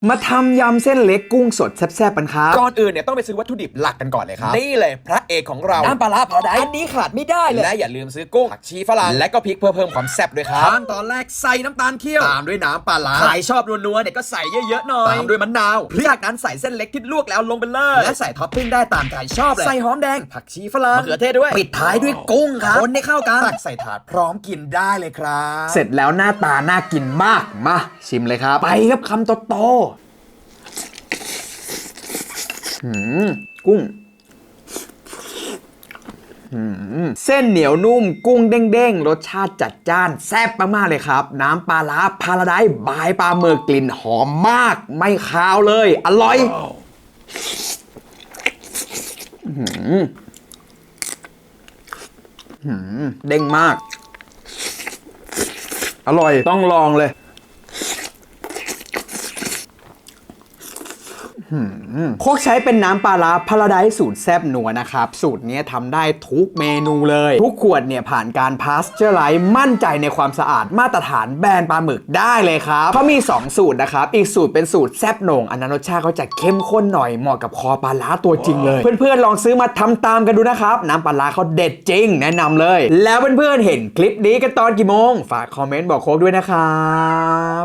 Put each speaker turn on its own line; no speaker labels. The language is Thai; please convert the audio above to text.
มาทำยำเส้นเล็กกุ้งสดแซ่บๆกันครับ
ก่อนอื่นเนี่ยต้องไปซื้อวัตถุดิบหลักกันก่อนเลยครับนี่เลยพระเอกของเราน้ำปลาร้าพาราไดซ์อันนี้ขาดไม่ได้เลยและอย่าลืมซื้อกุ้งผักชีฝรั่งและก็พริกเพื่อเพิ่มความแซ่บด้วยครับขั้นตอนแรกใส่น้ำตาลเคี่ยวตามด้วยน้ำปลาร้าใครชอบนัวๆเนี่ยก็ใส่เยอะๆหน่อยตามด้วยมะนาวจากนั้นใส่เส้นเล็กที่ลวกแล้วลงไปเลยและใส่ท็อปปิ้งได้ตามใจชอบเลยใส่หอมแดงผักชีฝรั่งมะเขือเทศด้วยปิดท้ายด้วยกุ้งครับคนให้เข้ากันตักใส่ถาดพร้อมกินได้เลยครับ
เสร็จแล้วหน้าตาน่ากินมากมาชิมเลยครับไปครับคำโตๆกุ้งเส้นเหนียวนุ่มกุ้งเด้งๆรสชาติจัดจ้านแซ่บมากๆเลยครับน้ำปลาร้าพาราไดซ์บายปลาหมึกกลิ่นหอมมากไม่คาวเลยอร่อยเด้งมากอร่อยต้องลองเลยโคกใช้เป็นน้ำปลาร้าพาราไดซ์สูตรแซ่บนัวนะครับสูตรนี้ทำได้ทุกเมนูเลยทุกขวดเนี่ยผ่านการพาสเจอร์ไลซ์มั่นใจในความสะอาดมาตรฐานแบรนด์ปลาหมึกได้เลยครับเขามี2สูตรนะครับอีกสูตรเป็นสูตรแซ่บโหน่งอันนั้นรสชาติเขาจะเข้มข้นหน่อยเหมาะกับคอปลาร้าตัวจริงเลยเพื่อนๆลองซื้อมาทำตามกันดูนะครับน้ำปลาร้าเขาเด็ดจริงแนะนำเลยแล้วเพื่อนๆเห็นคลิปนี้กันตอนกี่โมงฝากคอมเมนต์บอกโค้กด้วยนะครับ